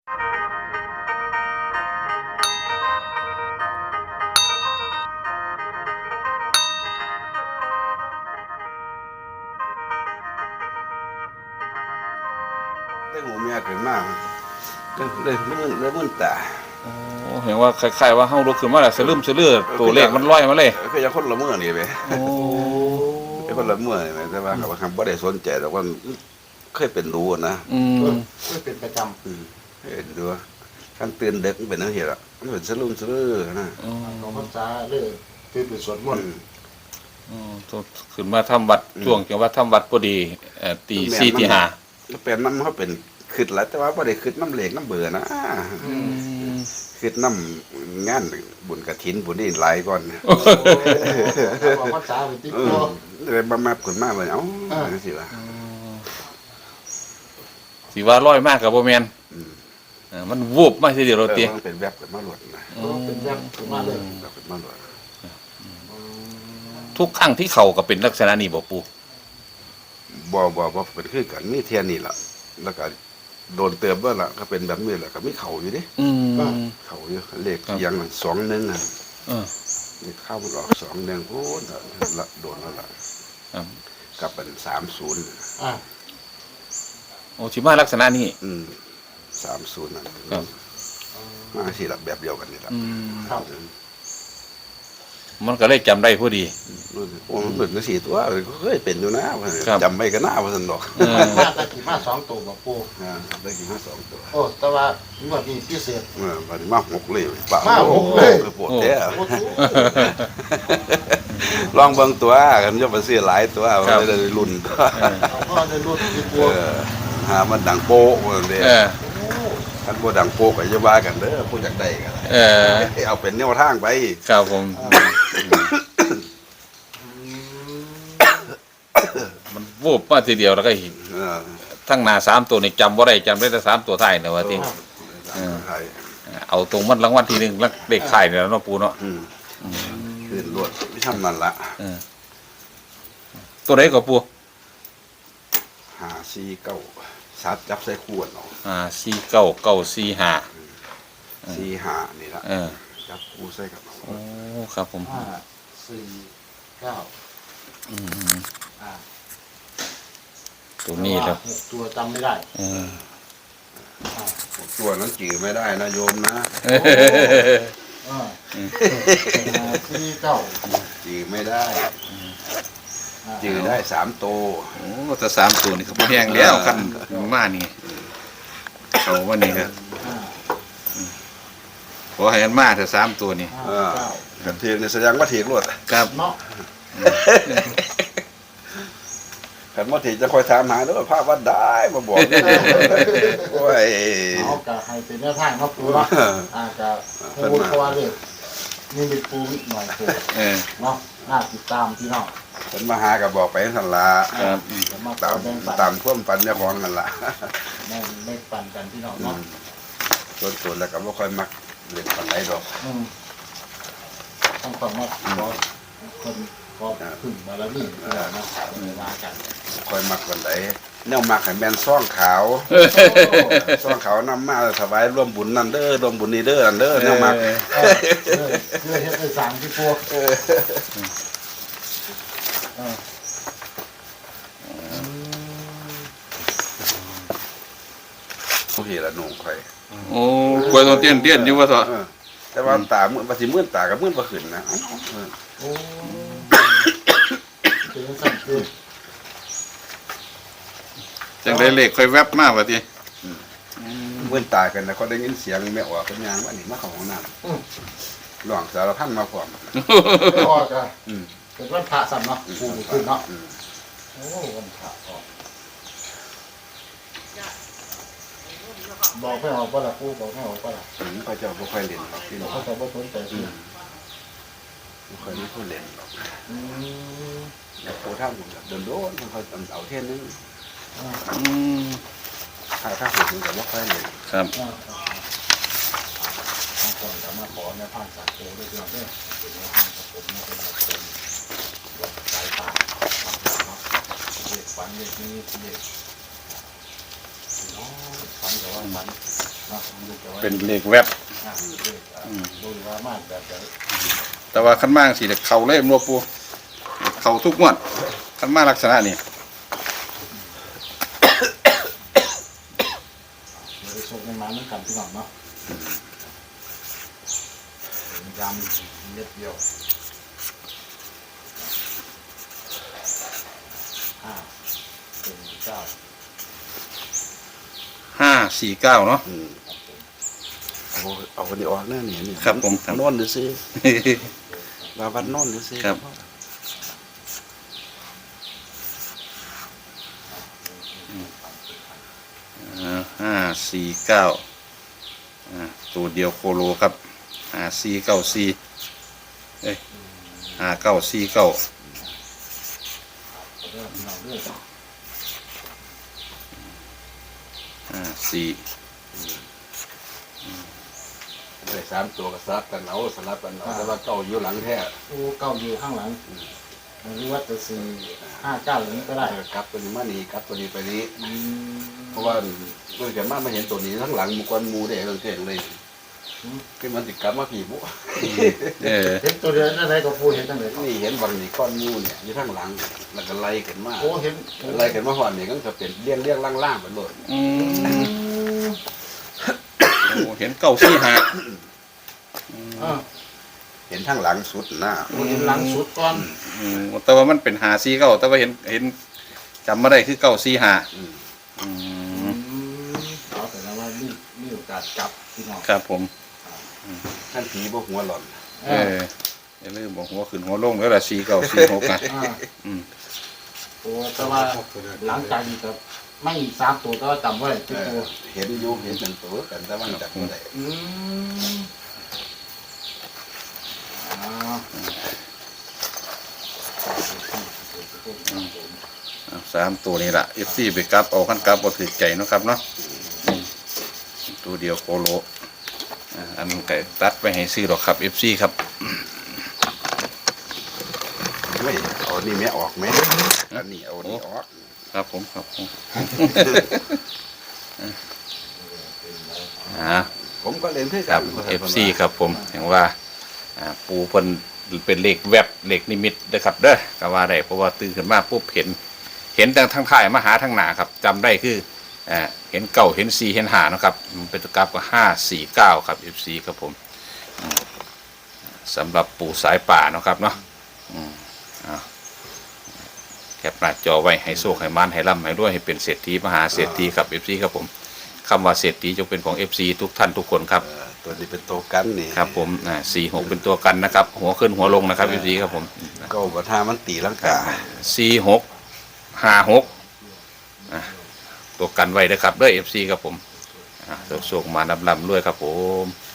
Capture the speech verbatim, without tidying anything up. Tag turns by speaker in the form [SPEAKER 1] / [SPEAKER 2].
[SPEAKER 1] ได้หูเมียเกิดมากเลยเลยมันเลยมันตา
[SPEAKER 2] โอ้เห็นว่าคล้ายๆว่าเฮาลุกขึ้นมาแล้วสลืมสลือตัวเลขมันลอยมาเลย
[SPEAKER 1] คือยังคนละเมื่อนี่ไป
[SPEAKER 2] โอ้
[SPEAKER 1] เป็นคนละเมื่อนี่แต่ว่าเขาคำว่าได้สนใจแต่ว่าเคยเป็นรู้นะ
[SPEAKER 2] อืม
[SPEAKER 3] เคยเป็นประจ
[SPEAKER 1] ำเห็นดูการเตือนเด็กเป็นนักเหตุอ่ะมันเป็นสลืมสลือนะ
[SPEAKER 3] ของภาษาเรื่องคือเป็นสวดมนต์
[SPEAKER 2] อืมขึ้นมาทำวัดช่วงจังว่าทำวัดพอดีเอ่อตีสี่ตีห้า
[SPEAKER 1] เป็นน้ำเขาเป็นขึ้นแล้วแต่ว่าไม่ได้ขึ้นน้ำเหล็กน้ำเบื่อนะขึ้นน้ำงานบุญกระถินบุญนี่หลายก่อน
[SPEAKER 3] ของภาษาเป็นติ๊กโก้
[SPEAKER 1] เลยมามาขึ้นมาเลยเอ้าสิวะ
[SPEAKER 2] สิว่าร้อยมากกับโบแมนมันวูบมาทีเดียวเราตี
[SPEAKER 1] มันเป็นแวบเป็นมาหลวดนะ
[SPEAKER 3] เป็นแวบเป็นมาเลย
[SPEAKER 1] เป็นมาหลวด
[SPEAKER 2] ทุกครั้งที่เขาก็เป็นลักษณะนี้บ่ปู
[SPEAKER 1] บ่บ่บ่เป็นคือกันมีเทียนนี่แหละแล้วก็โดนเติมว่าล่ะก็เป็นแบบนี้แหละก็มีเข่าอยู่ดิเข่าอยู่เลขยังสองหนึ่งอ่ะนี่เข้ามันออกสองหนึ่งโอ้ละโดนแล้วล่ะกับเป็นสามศูนย์
[SPEAKER 2] โอ้ชิมาลักษณะนี้
[SPEAKER 1] อืมสามศูนย์นั่นมาสิหลักแบบเดียวกันนี่แหละ
[SPEAKER 2] มันก็เลยจำได้พอดี
[SPEAKER 1] โอ้มันเหมือนกันสี่ตัวเคยเป็นอยู่นะจำไม่กันหน้าพันดอก
[SPEAKER 3] มาตะกี้มาสองตัวกับปู
[SPEAKER 1] ได้กี่มาสองตัว
[SPEAKER 3] โอ้แต่ว่าเมื่อกี้พิเศษ
[SPEAKER 1] เออวันนี้มาหกเลย
[SPEAKER 3] มาหกเลย
[SPEAKER 1] ปวดแท้ลองเบิ่งตัวกันจะไปซื้อหลายตัวไม่ได้รุ่นตัว
[SPEAKER 3] ก็ได้รุ่นที่ปู
[SPEAKER 1] หามันดังโป๊ะมันเด้ท่านผู้ดังโป๊กก็จะว่ากันเด้อผู้อยากได้กันเออเอาเป็นแนวทางไป
[SPEAKER 2] ครับผมมันวูบมาทีเดียวแล้วก็เห็นทั้งหน้าสามตัวนี่จำว่าได้จำได้แต่สามตัวไทยนะว่าที่เอาตรงมันรางวัลที่หนึ่งแล้วเด็กไข่เนี่ยเนาะปูเนาะ
[SPEAKER 1] ขึ้นรวดไม่ทำนั่นละ
[SPEAKER 2] ตัวไหนก็ปู
[SPEAKER 1] หาซีเก้าซัดจับใส่ขวดเนาะ
[SPEAKER 2] อ่าสี่เก้าเก้าสี่ห้า
[SPEAKER 1] สี่ห้านี่ละจับคู่ใส่กับ
[SPEAKER 2] โอ้ครับผม
[SPEAKER 3] ห้าสี่เก้า
[SPEAKER 2] อืมตัวนี้แล้ว
[SPEAKER 3] ตัวจำไม่ได้
[SPEAKER 1] ตัวนั้นจืดไม่ได้นะโยมนะ
[SPEAKER 3] สี่เก้า
[SPEAKER 1] จืดไม่ได้จืดได้สามตัว
[SPEAKER 2] โอ้แต่สามตัวนี่เขาพอแห้งแล้วกันมานี่เขาว่านี่ครับขอให้มันมาแต่สามตัวนี่
[SPEAKER 1] กันเทียนแสดงว่าเทียนรวด
[SPEAKER 2] ครับ
[SPEAKER 3] เนาะ
[SPEAKER 1] ขันว่าเทียนจะคอยถามหาด้วยภาพว่าได้มาบอกโอ้ย
[SPEAKER 3] เอากะให้เป็นแนวทางครับปูเนาะอาจจะพูดเพราะว่าเลยนี่เป็นปูนิดหน่อยปูเนาะน่าติดตามพี่น้อง
[SPEAKER 1] ฉันมาหากับบอกไปสันละตามตามท่วมปันเนี่ยของกันละ
[SPEAKER 3] แม่ไม่ปันกันพี่น้องเนาะ
[SPEAKER 1] ส่วนส่วนแล้วก็ไม่ค่อยมักเล่นปันไหนดอก
[SPEAKER 3] ต้องฟังว่าคนก็ขึ้นมาแล้วนี่นะมากัน
[SPEAKER 1] ค่อยมักปันไหนแนวมักให้แมนซ่องขาวซ่องขาวนำมาถวายร่วมบุญนั่นเด้อร่วมบุญนี่เด้อนั่นเด้อแนวมัก
[SPEAKER 3] เพื่อเฮ็ดให้สามที่พวก
[SPEAKER 1] ผู้เหี้ยละหนุ่มใคร
[SPEAKER 2] โอ้กล้วยตัวเตี้ยนเตี้ยนอยู่ว่าต่อ
[SPEAKER 1] แต่ว่าตาเมื่อปฏิเมื่อตากับเมื่อประขึ้นนะ
[SPEAKER 3] โอ้เป็นสัตว์คือ
[SPEAKER 2] จังได้เล็กค่อยแวบมากว่าที
[SPEAKER 1] เมื่อตากันนะก็ได้ยินเสียงแม่ออกเป็นยางว่านี่มาของของน้ำหลวงสารพันมาพร้อม
[SPEAKER 3] พ่อจ้ะเป็นวันพระสัมเนาะปูขึ้นเนาะโอ้วันพระออกบอกไม่ออกว่าละปูบอกไม่ออกว่าละ
[SPEAKER 1] อืมพระเจ้าไม่ค่อยเล่นหรอกพี่น้อง
[SPEAKER 3] พระเจ้าไม่สนใจพี่
[SPEAKER 1] ไม่ค่อยไม่ค่อยเล่นหรอกอืมแล้วโคท่าผมแบบเดินโดนมันเขาเอาเท่นนึง
[SPEAKER 2] อืม
[SPEAKER 1] ถ้าถ้าผมถึงจะไม่ค่อยเล่น
[SPEAKER 2] ครับ
[SPEAKER 3] บางคนจะมาขอในผ่านสายโคด้วยเรื่องเนี่ยเป็นในห้างกับผมไม่เป็นเป็นวัดสายตาเด็กฝันเด็กนี้เด็กน้องฝันแต่ว่าฝันเนาะมันจะไว้
[SPEAKER 2] เป็นเลขแวบ
[SPEAKER 3] อ่าเลขอ่าดูว่ามากแบบจะ
[SPEAKER 2] แต่ว่าขั้นมากสิเด็กเข่าเล่มรวปูเข่าทุกงวดขั้นมาลักษณะนี้
[SPEAKER 3] เดี๋ยวไปชมกันมาเมื่อกันพี่น้องเนาะยำเม็ดเดียวห้าเป็นเก้า
[SPEAKER 2] ห้าสี่เก้าเนาะ
[SPEAKER 1] อืมเอาเอาคนนี้ออกแน่เนี่ยนี่
[SPEAKER 2] ครับผมครับ
[SPEAKER 1] นอนดูซิมาวัดนอนดูซิ
[SPEAKER 2] ครับ ห้าสี่เก้าตัวเดียวโคโลครับห้าสี่เก้าสี่เอ้ยห้าเก้าสี่เก้า
[SPEAKER 3] เริ่มเราเรื่อย
[SPEAKER 2] ห้าสี่
[SPEAKER 1] ได้สามตัวก็สลับกันเอาสลับกันเอาแต่ว่าเก้าอยู่หลังแท้
[SPEAKER 3] โอ้เก้าอยู่ข้างหลังไม่รู้ว่าจะสี่ห้าเก้าอย่างนี้ก็ได้
[SPEAKER 1] เออกลับตัวนี้มานี่กลับตัวนี้ไปนี้
[SPEAKER 3] อืม
[SPEAKER 1] เพราะว่าเมื่อกี้มามาเห็นตัวนี้ทั้งหลังหมุกวนหมูได้เรื่องเก่งเลยคือมันติดกลับมาผีบุ
[SPEAKER 2] เออ
[SPEAKER 3] เห็นตัวเดียวนั่นไหนก็พูดเห็นตั้งแต่
[SPEAKER 1] นี่เห็นวันนี้ก้อนหมูเนี่ยอยู่ทั้งหลังแล้วก็ไล่กันมา
[SPEAKER 3] โอ้เห็น
[SPEAKER 1] ไล่กันมาหอนนี่ก็จะเป็นเลี้ยงเลี้ยงล่างๆไปเลย
[SPEAKER 2] อืมโอ้เห็นเก้าสี่ห้า
[SPEAKER 3] อ่า
[SPEAKER 1] เห็นทั้งหลังสุดหน้า
[SPEAKER 3] เห็นหลังสุดก่อน
[SPEAKER 2] อืมแต่ว่ามันเป็นหาสี่เก้าแต่ว่าเห็นเห็นจำไม่ได้คือเก้าสี่ห้า
[SPEAKER 1] อืม
[SPEAKER 2] อืม
[SPEAKER 3] อืมเอาแต่ละว่ามีมีโอกาสจับพี่น้อง
[SPEAKER 2] ครับผม
[SPEAKER 1] ท่านผีบ่หัวหล่อน
[SPEAKER 2] เอออย่าลืมบอกหัวขึ้นหัวลงแล้วล่ะสี่เก้าสี่หกนะ
[SPEAKER 3] อ่า
[SPEAKER 2] อืม
[SPEAKER 3] โอ้แต่ว่าหลังจากนี้ก็ไม่สามตัวก็จำไว้
[SPEAKER 1] เอ
[SPEAKER 3] เป็น
[SPEAKER 1] อ
[SPEAKER 3] ตัว
[SPEAKER 1] เห็นอยู่เห็นเป็นตัวกันแต่ว่าจับไม่ได้
[SPEAKER 3] อืมอ่า
[SPEAKER 2] อ่ะสามตัวนี้ล่ะเอฟซีไปกลับเอาขั้นกลับบ่ถือใจเนาะครับเนาะอืมตัวเดียวโคโลอ่ะอันไก่ตัดไปให้ซื้อหรอกครับเอฟซีครับ
[SPEAKER 1] ไม่เอานี่แม่ออกไหมอันนี้เอานี่ออก
[SPEAKER 2] ครับผมครับผมอ่า
[SPEAKER 1] ผมก็เล่นที่
[SPEAKER 2] ค
[SPEAKER 1] กั
[SPEAKER 2] รับ เอฟ ซี ครับผมเห็นว่าอ่าปูเพิ่นเป็นเลขแวบเลขนิมิตเด้อครับเด้อก็ว่าได้เพราะว่าตื่นขึ้นมาปุ๊บเห็น เห็นทางทางท้ายมาหาทางหน้าครับจำได้คืออ่าเห็นเก่าเห็นสี่เห็นหานะครับมันเป็นตัวกราฟก็ห้าสี่เก้าครับ เอฟ ซี ครับผมอืมสำหรับปูสายป่าเนาะครับเนาะอืมอ่าแคปหน้าจอไว้ให้โชคให้มันให้ร่ำให้รวยให้เป็นเศรษฐีมหาเศรษฐีครับ เอฟ ซี ครับผมคำว่าเศรษฐีจงเป็นของ เอฟ ซี ทุกท่านทุกคนครับ
[SPEAKER 1] เออตัวนี้เป็นตัวกันนี่
[SPEAKER 2] ครับผมอ่าสี่หกเป็นตัวกันนะครับ หัวขึ้นหัวลงนะครับ เอฟ ซี ครับผม
[SPEAKER 1] ก็บัทามันตีลังกา
[SPEAKER 2] สี่หกห้าหกอ่ะตัวกันไว้นะครับด้วย เอฟ ซี ครับผมอ่ะโชคมาลำลำด้วยครับผม